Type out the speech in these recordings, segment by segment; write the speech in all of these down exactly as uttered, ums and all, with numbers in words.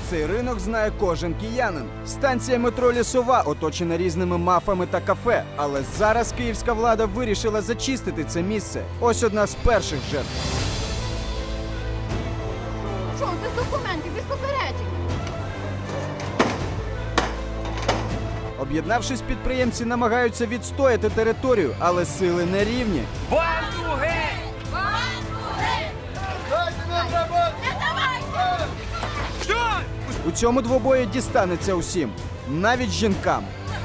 Цей ринок знає кожен киянин. Станція метро Лісова оточена різними мафами та кафе. Але зараз київська влада вирішила зачистити це місце. Ось одна з перших жертв. Що, без документів, без попереджень? Об'єднавшись, підприємці намагаються відстояти територію, але сили не рівні. Банду геть! У цьому двобої дістанеться усім, навіть жінкам.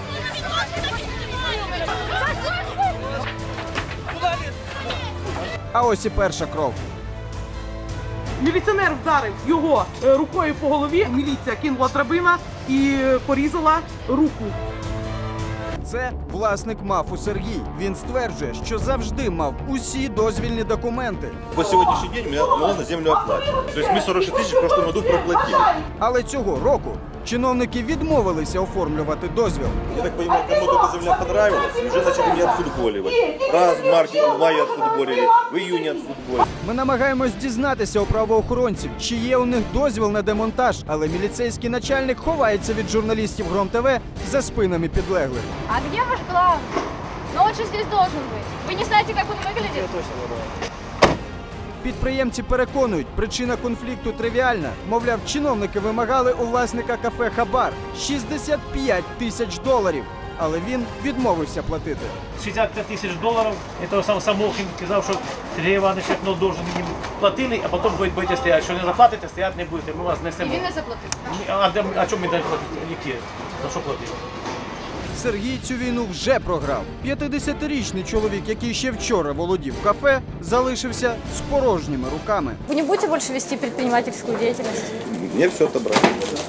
А ось і перша кров. Міліціонер вдарив його е, рукою по голові. Міліція кинула драбина і е, порізала руку. Це власник мафу Сергій. Він стверджує, що завжди мав усі дозвільні документи. По сегодняшний день меня мало на землю оплачивают. То есть мы сорок шесть тысяч в прошлом году проплатили. Але цього року чиновники відмовилися оформлювати дозвіл. Я так понимаю, кому-то эта земля понравилась, и уже начали меня отфутболивать. Раз в марте, в мае отфутболили, в июне отфутболили. Ми намагаємось дізнатися у правоохоронців, чи є у них дозвіл на демонтаж, але міліцейський начальник ховається від журналістів Гром ТВ за спинами підлеглих. А где ваш главный? Ну он же здесь должен быть. Вы не знаете, как он выглядит? Підприємці переконують, причина конфлікту тривіальна. Мовляв, чиновники вимагали у власника кафе хабар – шістдесят п'ять тисяч доларів. Але він відмовився платити. шістдесят п'ять тисяч доларів, це сам Самохін казав, що Сергій Іванович як должен їм платили, а потім будете стояти. Що не заплатите, стояти не будете, ми вас І несемо. він не заплатив. А, де- а чому ми далі платити? Які? За що платили? Сергій цю війну вже програв. п'ятдесятирічний чоловік, який ще вчора володів кафе, залишився з порожніми руками. Вы не будете больше вести предпринимательскую деятельность? Мне все отобрали.